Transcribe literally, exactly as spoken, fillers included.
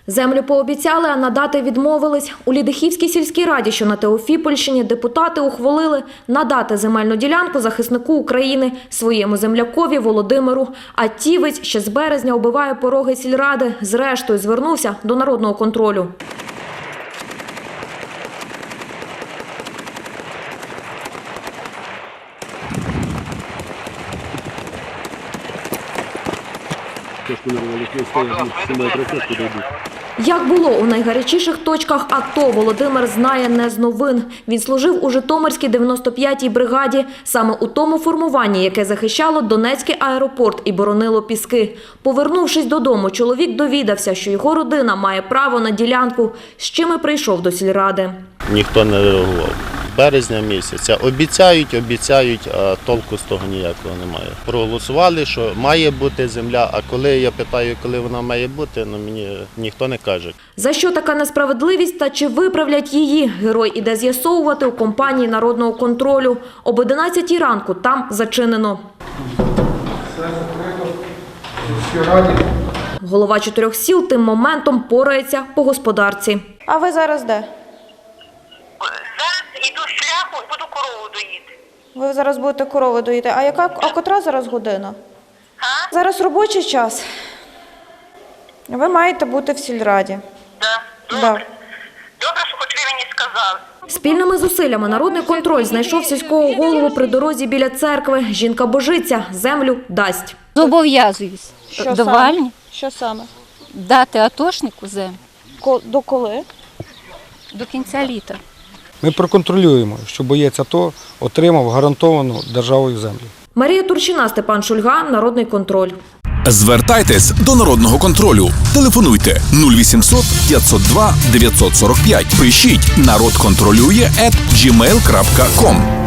Землю пообіцяли, а надати відмовились. У Лідихівській сільській раді, що на Теофіпольщині, депутати ухвалили надати земельну ділянку захиснику України, своєму землякові Володимиру. А Тівець ще з березня оббиває пороги сільради. Зрештою звернувся до народного контролю. Як було у найгарячіших точках АТО, Володимир знає не з новин. Він служив у Житомирській дев'яносто п'ятій бригаді, саме у тому формуванні, яке захищало Донецький аеропорт і боронило Піски. Повернувшись додому, чоловік довідався, що його родина має право на ділянку, з чим і прийшов до сільради. Ніхто не реагував. Березня місяця. Обіцяють, обіцяють, а толку з того ніякого немає. Проголосували, що має бути земля, а коли я питаю, коли вона має бути, ну мені ніхто не каже. За що така несправедливість та чи виправлять її, герой іде з'ясовувати у компанії народного контролю. Об одинадцятій ранку там зачинено. Голова чотирьох сіл тим моментом порається по господарці. А ви зараз де? Зараз йду шляху, буду корову доїти. Ви зараз будете корови доїти. А яка, а котра зараз година? А? Зараз робочий час. Ви маєте бути в сільраді. Да. Да. Добре. Добре, що хоч ви мені сказали. Спільними зусиллями народний контроль знайшов сільського голову при дорозі біля церкви. Жінка божиться, землю дасть. Зобов'язуюсь Що до саме? Вальні Що саме? дати атошнику землю Ко- До коли? до кінця літа. Ми проконтролюємо, що боєць АТО отримав гарантовану державою землю. Марія Турчина, Степан Шульга, народний контроль. Звертайтесь до народного контролю. Телефонуйте нуль вісімсот п'ятсот два дев'ятсот сорок п'ять. Пишіть народ контролює ет джі мейл крапка ком.